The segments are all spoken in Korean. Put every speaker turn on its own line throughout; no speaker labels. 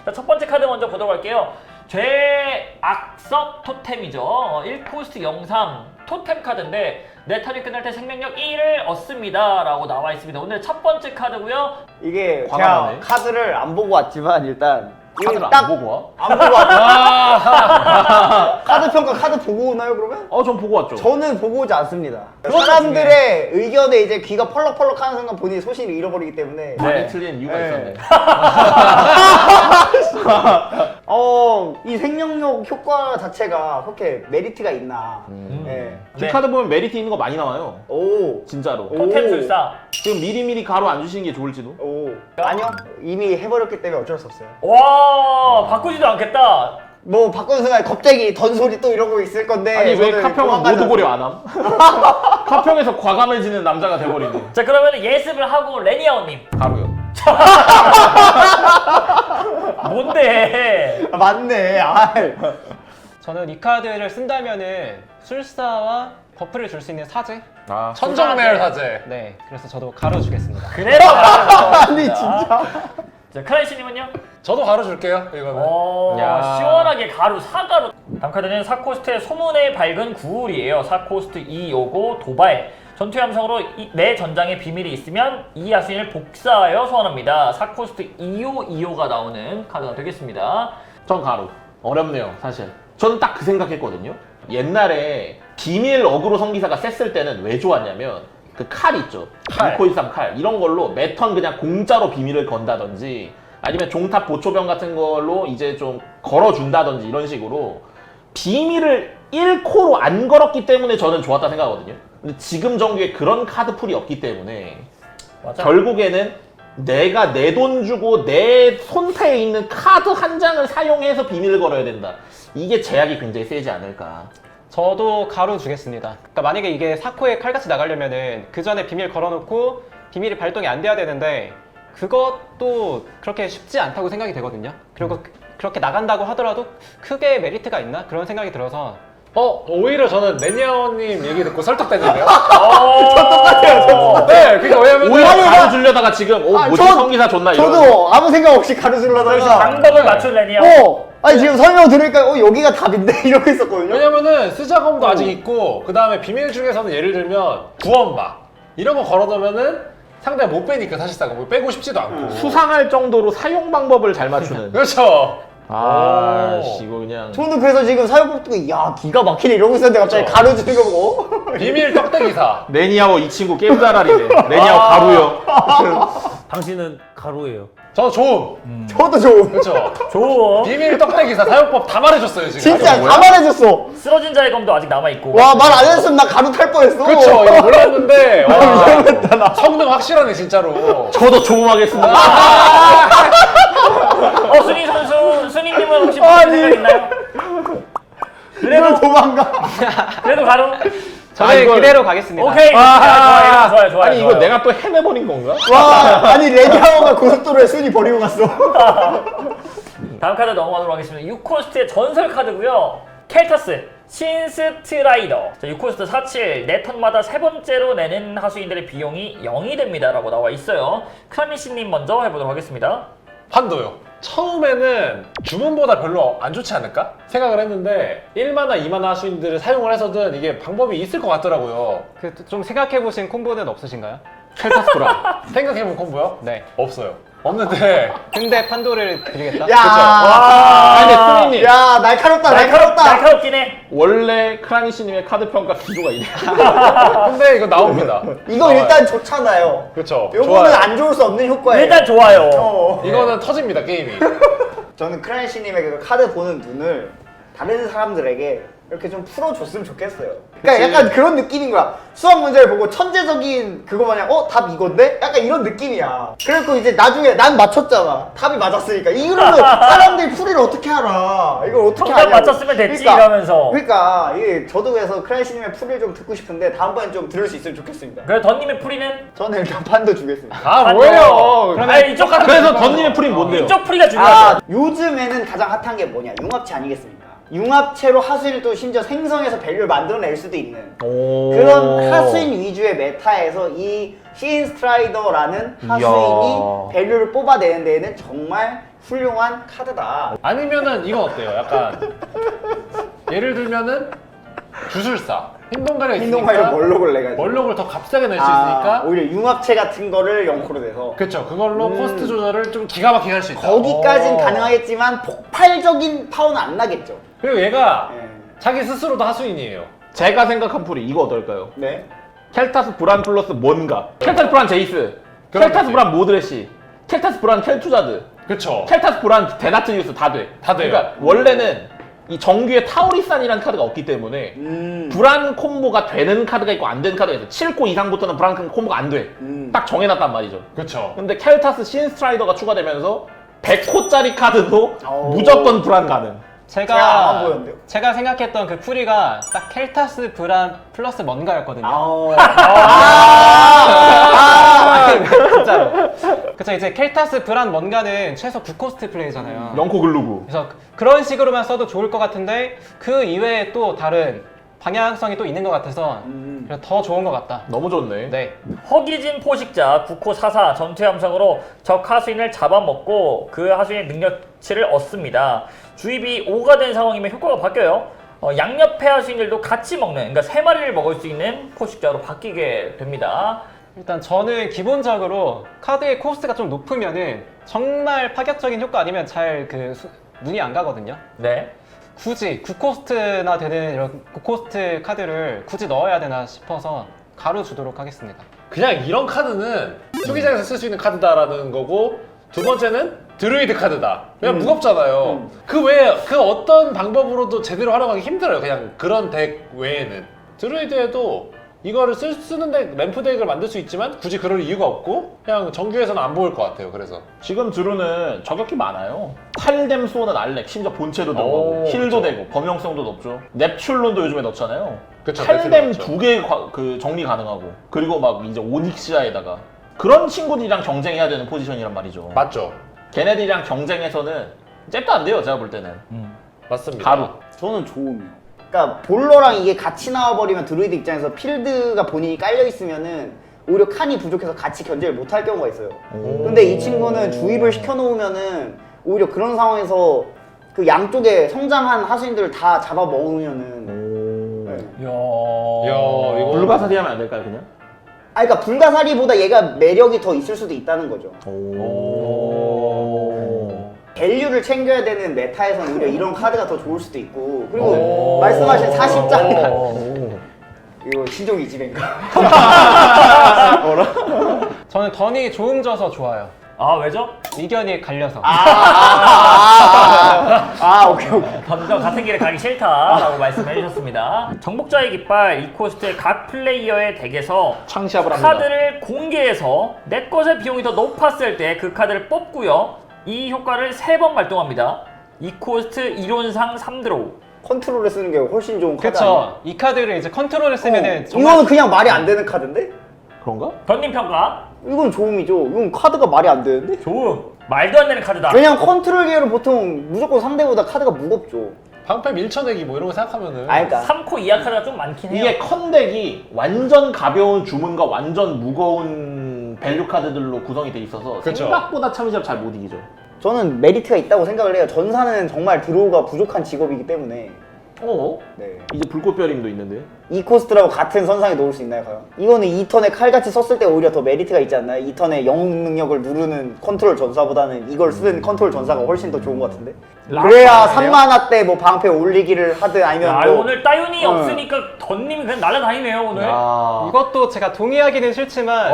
자, 첫 번째 카드 먼저 보도록 할게요. 죄악섭 토템이죠. 1코스트 03 토템 카드인데 내 턴이 끝날 때 생명력 1을 얻습니다 라고 나와 있습니다. 오늘 첫 번째 카드고요.
이게 제가
과감하네.
카드를 안 보고 왔지만 일단
카드를
딱
안 보고 와?
안 보고 왔죠. 카드 평가 카드 보고 오나요 그러면?
전 보고 왔죠.
저는 보고 오지 않습니다.
그것도
사람들의 의견에 이제 귀가 펄럭펄럭 하는 순간 본인이 소신을 잃어버리기 때문에
많이
네.
틀린 이유가
네.
있었네.
이 생명력 효과 자체가 그렇게 메리트가 있나. 네.
이
네.
카드 보면 메리트 있는 거 많이 나와요.
오.
진짜로.
토템 술사.
지금 미리미리 가로 안 주시는 게 좋을지도.
오. 아니요. 이미 해버렸기 때문에 어쩔 수 없어요.
와, 바꾸지도 않겠다.
뭐 바꾸는 순간 갑자기 던소리 또 이러고 있을 건데
아니 왜
저는
카평은
도망가지
모두 고려 안 함? 카평에서 과감해지는 남자가 돼버리네.
자, 그러면 예습을 하고 레니아오님.
가로요.
뭔데?
않았어요. 맞네. 아.
저는 이 카드를 쓴다면은 술사와 버프를 줄 수 있는 사제?
아,
천정매열 사제.
네, 그래서 저도 가로 주겠습니다.
그래서
아니 진짜.
자, 크라이시님은요?
저도 가로 줄게요. 이거는.
야.
시원하게 가루, 사가루. 다음 카드는 4코스트의 소문의 밝은 구울이에요. 4코스트 2요고 도발. 전투 함성으로 내 전장에 비밀이 있으면 이 야수인을 복사하여 소환합니다. 4코스트 2호2호가 나오는 카드가 되겠습니다.
전 가로. 어렵네요, 사실. 저는 딱 그 생각했거든요. 옛날에 비밀 어그로 성기사가 셌을 때는 왜 좋았냐면 그 칼 있죠.
칼.
2코13 칼. 이런 걸로 매턴 그냥 공짜로 비밀을 건다든지 아니면 종탑 보초병 같은 걸로 이제 좀 걸어준다든지 이런 식으로 비밀을 1코로 안 걸었기 때문에 저는 좋았다 생각하거든요. 근데 지금 정규에 그런 카드 풀이 없기 때문에
맞아.
결국에는 내가 내 돈 주고 내 손패에 있는 카드 한 장을 사용해서 비밀을 걸어야 된다. 이게 제약이 굉장히 세지 않을까.
저도 가로 주겠습니다. 그러니까 만약에 이게 4코에 칼같이 나가려면은 그 전에 비밀 걸어놓고 비밀이 발동이 안 돼야 되는데 그것도 그렇게 쉽지 않다고 생각이 되거든요. 그리고 그렇게 나간다고 하더라도 크게 메리트가 있나? 그런 생각이 들어서
오히려 저는 레니아오님 얘기 듣고 설득됐는데요.
저 똑같아요.
네, 그러니까 왜냐면
오히려
아니,
가로 주려다가 지금 뭐지
저-
성기사 좋나 이런.
저도 아무 생각 없이 가로 주려다가
방법을 맞춘 레니아.
아니 지금 설명 들으니까 여기가 답인데 이러고 있었거든요.
왜냐면은 쓰자검도 아직 있고 그 다음에 비밀 중에서는 예를 들면 구원막 이런 거 걸어놓으면은 상대가 못 빼니까 사실상 뭐 빼고 싶지도 않고.
수상할 정도로 사용 방법을 잘 맞추는.
그렇죠.
아,
오.
씨, 이거 그냥.
저도 그래서 지금 사용법 듣고 야 기가 막히네 이러고 있었는데 갑자기
그쵸.
가로 주는 거 보고
비밀 떡대기사.
레니아오 이 친구 게임 잘하리네. 레니아오 가루요.
당신은 가로예요.
저 좋음.
저도 좀
그렇죠.
좋아.
비밀 떡대기사 사용법 다 말해줬어요 지금.
진짜
뭐야?
다 말해줬어.
쓰러진 자의 검도 아직 남아있고.
와 말 안 했으면 나 가로 탈 뻔했어.
그렇죠. 이거 몰랐는데 와, 성능 확실하네 진짜로.
저도 조음하겠습니다.
순희 선수, 순희님은 혹시 무슨 생각 있나요?
그래도 도망가.
그래도 가루?
저는
이걸-
그대로 가겠습니다.
오케이. 좋아요.
아니 이거 내가 또 헤매버린 건가?
와 아니 레디아오가 고속도로에 순위 버리고 갔어.
다음 카드 넘어가도록 하겠습니다. 6코스트의 전설 카드고요. 켈타스 신스트라이더. 자, 6코스트 47. 내 턴마다 세 번째로 내는 하수인들의 비용이 0이 됩니다 라고 나와 있어요. 크라미씨님 먼저 해보도록 하겠습니다.
판도요. 처음에는 주문보다 별로 안 좋지 않을까 생각을 했는데 1마나 2마나 하수인들을 사용을 해서든 이게 방법이 있을 것 같더라고요.
좀 생각해보신 콤보는 없으신가요?
켈타스프라.
생각해본 콤보요?
네.
없어요. 없는데
근데 판도를 드리겠다?
야.
아니 근데 스미님
야 날카롭다 날카롭다.
날카롭긴 해.
원래 크라니시님의 카드 평가 기조가 이래.
근데 이거 나옵니다.
이거 일단 좋잖아요.
그렇죠.
요거는
좋아요.
안 좋을 수 없는 효과예요.
일단 좋아요.
이거는 터집니다 게임이.
저는 크라이시님의 그 카드 보는 눈을 다른 사람들에게 이렇게 좀 풀어줬으면 좋겠어요. 그러니까 약간 그런 느낌인 거야. 수학 문제를 보고 천재적인 그거 마냥 답 이건데? 약간 이런 느낌이야. 그래갖고 이제 나중에 난 맞췄잖아. 답이 맞았으니까. 이거는 사람들이 풀이를 어떻게 알아. 이걸 어떻게
정답
하냐고.
맞췄으면 됐지, 이러면서.
그러니까 이게 저도 그래서 크라이시님의 풀이를 좀 듣고 싶은데 다음번엔 좀 들을 수 있으면 좋겠습니다.
그래서 던님의 풀이는?
저는 일단 판도 주겠습니다.
아 뭐예요?
아니, 이쪽 카드.
그래서 던님의 풀이 뭔데요?
이쪽 풀이가 중요하죠.
요즘에는 가장 핫한 게 뭐냐? 융합체 아니겠습니까? 융합체로 하수인을 또 심지어 생성해서 밸류를 만들어낼 수도 있는 그런 하수인 위주의 메타에서 이 신스트라이더라는 하수인이
이야.
밸류를 뽑아내는 데에는 정말 훌륭한 카드다.
아니면은 이건 어때요? 약간 예를 들면은 주술사 행동가력
행동하려
있으니까
멀록을 내가지고.
멀록을 더 값싸게 낼 수 있으니까
오히려 융합체 같은 거를 0코로 내서
그쵸 그걸로 코스트 조절을 좀 기가 막히게 할 수 있다.
거기까진 가능하겠지만 폭발적인 파워는 안 나겠죠.
그리고 얘가
네.
자기 스스로도 하수인이에요.
제가 생각한 풀이 이거 어떨까요?
네.
켈타스 브란 플러스 뭔가 켈타스 브란 제이스
그런
켈타스
거지.
브란 모드레시 켈타스 브란 켈투자드
그쵸.
켈타스 브란 데나트리우스 다 돼.
다 돼요.
그러니까 원래는 이 정규에 타우리산이라는 카드가 없기 때문에 브란 콤보가 되는 카드가 있고 안 되는 카드가 있어. 7코 이상부터는 브란 콤보가 안 돼. 딱 정해놨단 말이죠.
그쵸.
근데 켈타스 신스트라이더가 추가되면서 100코짜리 카드도
오.
무조건 브란 가능.
제가 안 보였는데요?
제가 생각했던 그 풀이가 딱 켈타스 브란 플러스 뭔가였거든요. 진짜로. 그쵸, 이제 켈타스 브란 뭔가는 최소 9코스트 플레이잖아요.
영코 글루구.
그래서 그런 식으로만 써도 좋을 것 같은데 그 이외에 또 다른 방향성이 또 있는 것 같아서 그래서 더 좋은 것 같다.
너무 좋네.
네.
허기진 포식자 9코 44 전투 함성으로 적 하수인을 잡아먹고 그 하수인의 능력치를 얻습니다. 주입이 5가 된 상황이면 효과가 바뀌어요. 양옆의 하수인들도 같이 먹는, 그러니까 3마리를 먹을 수 있는 포식자로 바뀌게 됩니다.
일단 저는 기본적으로 카드의 코스트가 좀 높으면은 정말 파격적인 효과 아니면 잘 눈이 안 가거든요.
네.
굳이 9코스트나 되는 이런 9코스트 카드를 굳이 넣어야 되나 싶어서 가로 주도록 하겠습니다.
그냥 이런 카드는 투기장에서 쓸 수 있는 카드다라는 거고 두 번째는 드루이드 카드다. 그냥 무겁잖아요. 그 외에 그 어떤 방법으로도 제대로 활용하기 힘들어요. 그냥 그런 덱 외에는. 드루이드에도 이거를 쓰는데 램프 덱을 만들 수 있지만 굳이 그럴 이유가 없고 그냥 정규에서는 안 보일 것 같아요. 그래서
지금 드루는 저격이 많아요. 칼뎀 수호는 알렉, 심지어 본체도
오,
넣고 힐도
그쵸.
되고 범용성도 높죠. 넵출론도 요즘에 넣잖아요.
그쵸,
칼뎀
넵출론 넣죠.
2개 그 정리 가능하고 그리고 막 이제 오닉시아에다가 그런 친구들이랑 경쟁해야 되는 포지션이란 말이죠.
맞죠?
걔네들이랑 경쟁해서는 잽도 안 돼요. 제가 볼 때는.
맞습니다.
가루.
저는 좋음이요. 그러니까 볼러랑 이게 같이 나와버리면 드루이드 입장에서 필드가 본인이 깔려있으면은 오히려 칸이 부족해서 같이 견제를 못할 경우가 있어요. 근데 이 친구는 주입을 시켜놓으면은 오히려 그런 상황에서 그 양쪽에 성장한 하수인들을 다 잡아먹으면은 네.
이야.
이야, 이거
불가사리 하면 안 될까요, 그냥?
그러니까 불가사리보다 얘가 매력이 더 있을 수도 있다는 거죠. 밸류를 챙겨야 되는 메타에서는 오히려 이런 카드가 더 좋을 수도 있고 그리고 말씀하신 40장 이거 신종 이지배인가?
저는 던이 조음져서 좋아요.
아, 왜죠?
의견이 갈려서.
오케이.
던전 같은 길에 가기 싫다라고 말씀해 주셨습니다. 정복자의 깃발 2코스트의 각 플레이어의 덱에서
창시합을 합니다.
카드를 공개해서 내 것의 비용이 더 높았을 때 그 카드를 뽑고요. 이 효과를 3번 발동합니다. 2코스트 이론상 3드로우.
컨트롤에 쓰는 게 훨씬 좋은 카드
그쵸. 이 카드를 이제 컨트롤에 쓰면은
아니야?
정말
이거는 그냥 말이 안 되는 카드인데?
그런가?
던님 평가?
이건 좋음이죠. 이건 카드가 말이 안 되는데?
좋음. 말도 안 되는 카드다.
왜냐면 컨트롤 계열은 보통 무조건 상대보다 카드가 무겁죠.
방패 밀쳐내기 뭐 이런 거 생각하면은
그러니까
3코 이하 카드가 좀 많긴 해요.
이게 컨덱이 완전 가벼운 주문과 완전 무거운 밸류 카드들로 구성이 돼 있어서
그쵸.
생각보다 참이잡 잘 못 이기죠.
저는 메리트가 있다고 생각을 해요. 전사는 정말 드로우가 부족한 직업이기 때문에 네.
이제 불꽃별임도 있는데.
이 코스트라고 같은 선상에 놓을 수 있나요, 과연? 이거는 2턴에 칼같이 썼을 때 오히려 더 메리트가 있지 않나요? 2턴에 영웅 능력을 누르는 컨트롤 전사보다는 이걸 쓰는 컨트롤 전사가 훨씬 더 좋은 것 같은데? 그래야 3만화 때 뭐 방패 올리기를 하든 아니면
야,
뭐
오늘 따윤이 없으니까 던님이 그냥 날아다니네요 오늘.
야.
이것도 제가 동의하기는 싫지만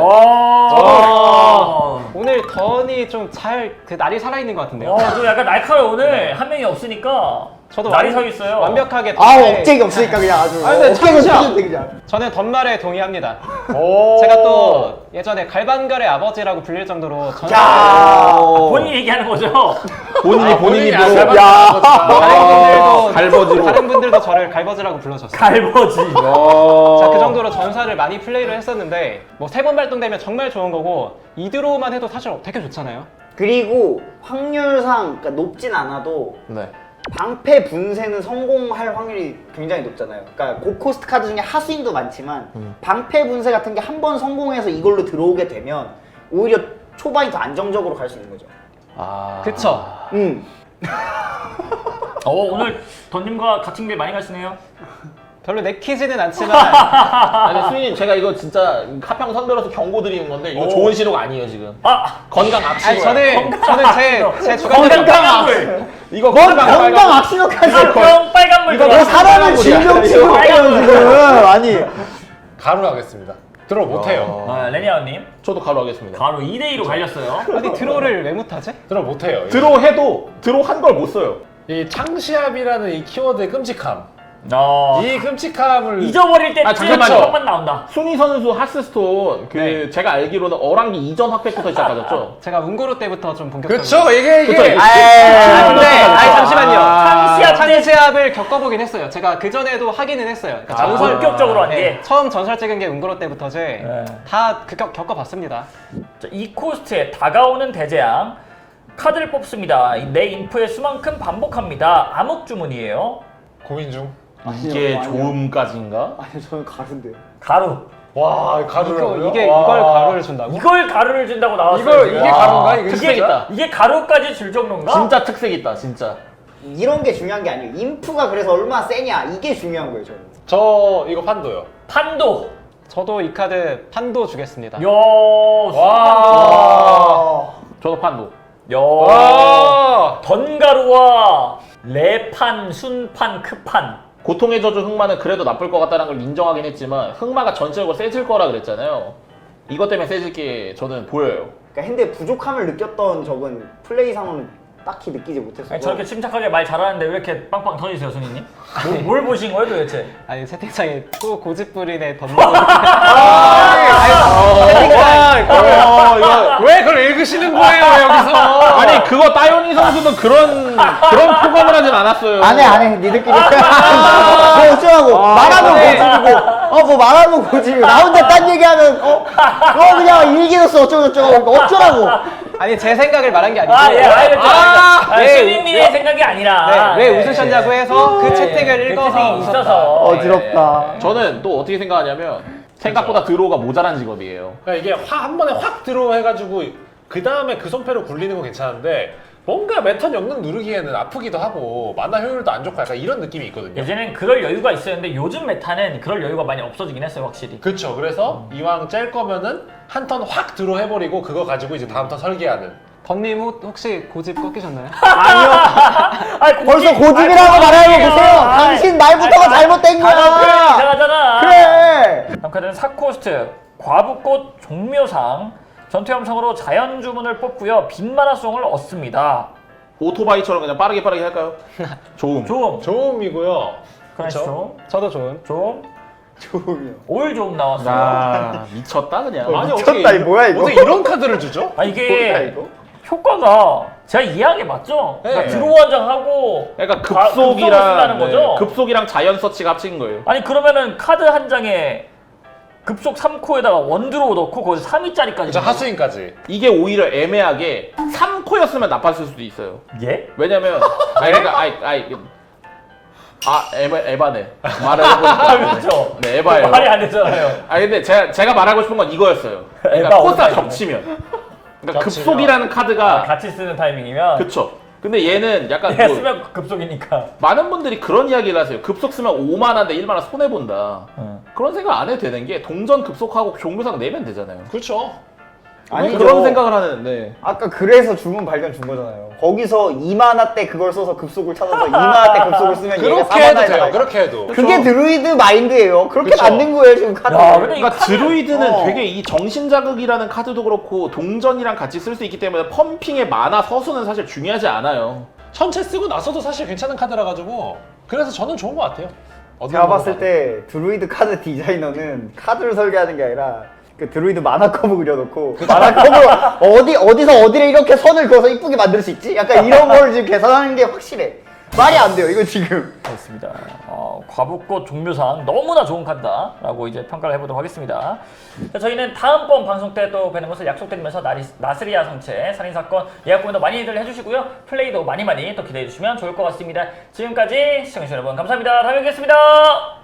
오늘 던이 좀 잘 날이 살아있는 것 같은데요.
좀 약간 날카로워 오늘 한 명이 없으니까
저도
날이 서 있어요.
완벽하게
억제기 없으니까 그냥 아주
아니, 근데
억제기
참으시야.
없는데 그냥
저는 던말에 동의합니다. 제가 또 예전에 갈반갈의 아버지라고 불릴 정도로
본인 얘기하는 거죠?
본인이
야,
뭐 갈버지로.
다른 분들도 저를 갈버지라고 불러줬어요.
갈버지.
자, 그 정도로 전사를 많이 플레이를 했었는데 뭐 3번 발동되면 정말 좋은 거고 2드로우만 해도 사실 되게 좋잖아요.
그리고 확률상 그러니까 높진 않아도
네.
방패 분쇄는 성공할 확률이 굉장히 높잖아요. 그러니까 고코스트 카드 중에 하수인도 많지만 방패 분쇄 같은 게 한 번 성공해서 이걸로 들어오게 되면 오히려 초반이 더 안정적으로 갈 수 있는 거죠.
그쵸?
오늘 던님과 같은 길 많이 가시네요.
별로 내키지는 않지만
아니 수인님 제가 이거 진짜 카평 선배로서 경고 드리는 건데 이거 좋은 신호가 아니에요 지금. 건강
아니
악신호.
저는 제 주관
이거
건강 악신호까지.
형 빨간물
너
들어왔어.
사람을 질병 취급해요 지금. 아니.
가로 하겠습니다. 들어 못해요.
레니아님
저도 가로 하겠습니다.
바로 2대2로 갈렸어요.
아니 드로를 왜 못하지?
들어 못해요.
드로 해도 드로 한 걸 못 써요.
이 창시합이라는 이 키워드의 끔찍함.
어,
이 끔찍함을
잊어버릴 때
잠깐만요.
조금만 나온다.
순위 선수 하스스톤
네.
제가 알기로는 어랑기 이전 핫팩부터 시작하셨죠?
제가 운고로 때부터 좀 본격적으로
그쵸 이게
그쵸, 이게-
근데 잠시만요.
창시합 때
창시합을 겪어보긴 했어요. 제가 그 전에도 하기는 했어요. 그러니까 전설
본격적으로 한 게.
처음 전설 찍은 게 운고로 때부터지. 다 겪어봤습니다.
자, 이 코스트에 다가오는 대재앙 카드를 뽑습니다. 내 인프의 수만큼 반복합니다. 암흑 주문이에요.
고민 중.
이게
아니요.
조음까지인가?
아니 저는 가른데요.
가루.
와 가루라고요?
이걸
와.
가루를 준다고?
이걸 가루를 준다고 나왔어요.
이걸
지금.
이게 가루인가 이거
특색
진짜?
있다.
이게 가루까지 줄 정도인가?
진짜 특색 있다 진짜.
이런 게 중요한 게 아니에요. 인프가 그래서 얼마나 세냐 이게 중요한 거예요 저는.
저 이거 판도요.
판도.
저도 이 카드 판도 주겠습니다.
야,
와.
저도 판도.
야,
와.
던가루와 레판, 순판, 크판.
고통의 저주 흑마는 그래도 나쁠 것 같다는 걸 인정하긴 했지만 흑마가 전체적으로 세질 거라 그랬잖아요. 이것 때문에 세질 게 저는 보여요.
그러니까 핸드의 부족함을 느꼈던 적은 플레이상으로는 딱히 느끼지 못했어요.
아니, 저렇게 침착하게 말 잘하는데 왜 이렇게 빵빵 터지세요, 손님? 뭘 보신 거예요, 도대체?
아니 채팅창에 또 고집부린의 덤보
왜 그걸 읽으시는 거예요 여기서?
아니 그거 따요니 선수도 그런 포감을 하진 않았어요.
안 해. 니들끼리. 뭐 어쩌라고. 말하면 고집이고. 뭐 말하면 고집이고. 나 혼자 딴 얘기하면 그냥 일기였어 어쩌고. 어쩌라고.
아니 제 생각을 말한 게 아니고
알겠죠.
네,
손님의 생각이 아니라.
왜 웃으셨냐고 해서 그 채팅을
그
읽어서
채팅이
웃었다.
있어서.
어지럽다.
저는 또 어떻게 생각하냐면 생각보다 드로우가 모자란 직업이에요.
그러니까 이게 한 번에 확 들어해가지고 그 다음에 그 손패로 굴리는 건 괜찮은데 뭔가 매턴 영능 누르기에는 아프기도 하고 만화 효율도 안 좋고 약간 이런 느낌이 있거든요.
예전엔 그럴 여유가 있었는데 요즘 메타는 그럴 여유가 많이 없어지긴 했어요, 확실히.
그쵸. 그래서 이왕 짤 거면은 한 턴 확 들어 해버리고 그거 가지고 이제 다음 턴 설계하는.
던님 혹시 고집 꺾이셨나요?
아니,
벌써 고집이라고 말하는 거 보세요. 당신 말부터가 잘못된
단어 표현이
거야.
이상하잖아.
그래.
다음 카드는 사코스트 과부꽃 종묘상 전투염성으로 자연 주문을 뽑고요. 빈마나 수용을 얻습니다.
오토바이처럼 그냥 빠르게 할까요? 좋음.
좀
조음이고요.
그렇죠.
저도 좋은.
좀
조음이요.
올 좀 나왔어요.
아 미쳤다 그냥.
미쳤다, 이 뭐야, 이거?
어떻게 이런 카드를 주죠?
아
뭐야,
이게
이거?
효과가 제가 이해한 게 맞죠? 그러니까
네.
드로우 한 장 하고
그러니까
급속을 쓴다는 거죠?
급속이랑 자연 서치가 합친 거예요.
아니 그러면은 카드 한 장에 급속 3코에다가 원드로우 넣고 거기서 3위짜리까지
그쵸. 하수인까지.
이게 오히려 애매하게 3코였으면 나빴을 수도 있어요.
예?
왜냐면 그러니까 에바네. 말을 해보니까
그렇죠.
네 에바예요.
말이 안 되잖아요.
근데 제가 말하고 싶은 건 이거였어요. 그러니까
에바
코스가
오타이네.
겹치면. 그러니까
겹치면.
급속이라는 카드가
같이 쓰는 타이밍이면
그쵸. 근데 얘는 약간
얘
뭐
쓰면 급속이니까.
많은 분들이 그런 이야기를 하세요. 급속 쓰면 5만원인데 1만원 손해본다. 그런 생각 안 해도 되는 게 동전 급속하고 종묘상 내면 되잖아요.
그렇죠.
아니
그런 생각을 하는데
아까 그래서 주문 발견 준 거잖아요. 거기서 2만화 때 그걸 써서 급속을 찾아서 2만화 때 급속을 쓰면 얘가
그렇게 해도
4만화에
돼요.
나가.
그렇게 해도.
그게 드루이드 마인드예요. 그렇게
그쵸.
만든 거예요 지금 카드.
야, 근데
그러니까 드루이드는
어.
되게 이 정신자극이라는 카드도 그렇고 동전이랑 같이 쓸 수 있기 때문에 펌핑의 만화 서수는 사실 중요하지 않아요.
전체 쓰고 나서도 사실 괜찮은 카드라 가지고 그래서 저는 좋은 것 같아요.
제가 봤을 때 드루이드 카드 디자이너는 카드를 설계하는 게 아니라 그 드루이드 만화 컵을 그려놓고 만화 컵을 어디서 어디를 이렇게 선을 그어서 이쁘게 만들 수 있지? 약간 이런 걸 지금 계산하는 게 확실해. 말이 안 돼요 이거 지금.
그렇습니다. 과부꽃 종묘상 너무나 좋은 카드다라고 이제 평가를 해보도록 하겠습니다. 자, 저희는 다음번 방송 때 또 뵈는 것을 약속드리면서 나스리아 성체 살인사건 예약 고민도 많이들 해주시고요. 플레이도 많이 또 기대해 주시면 좋을 것 같습니다. 지금까지 시청해주신 여러분 감사합니다. 다음에 뵙겠습니다.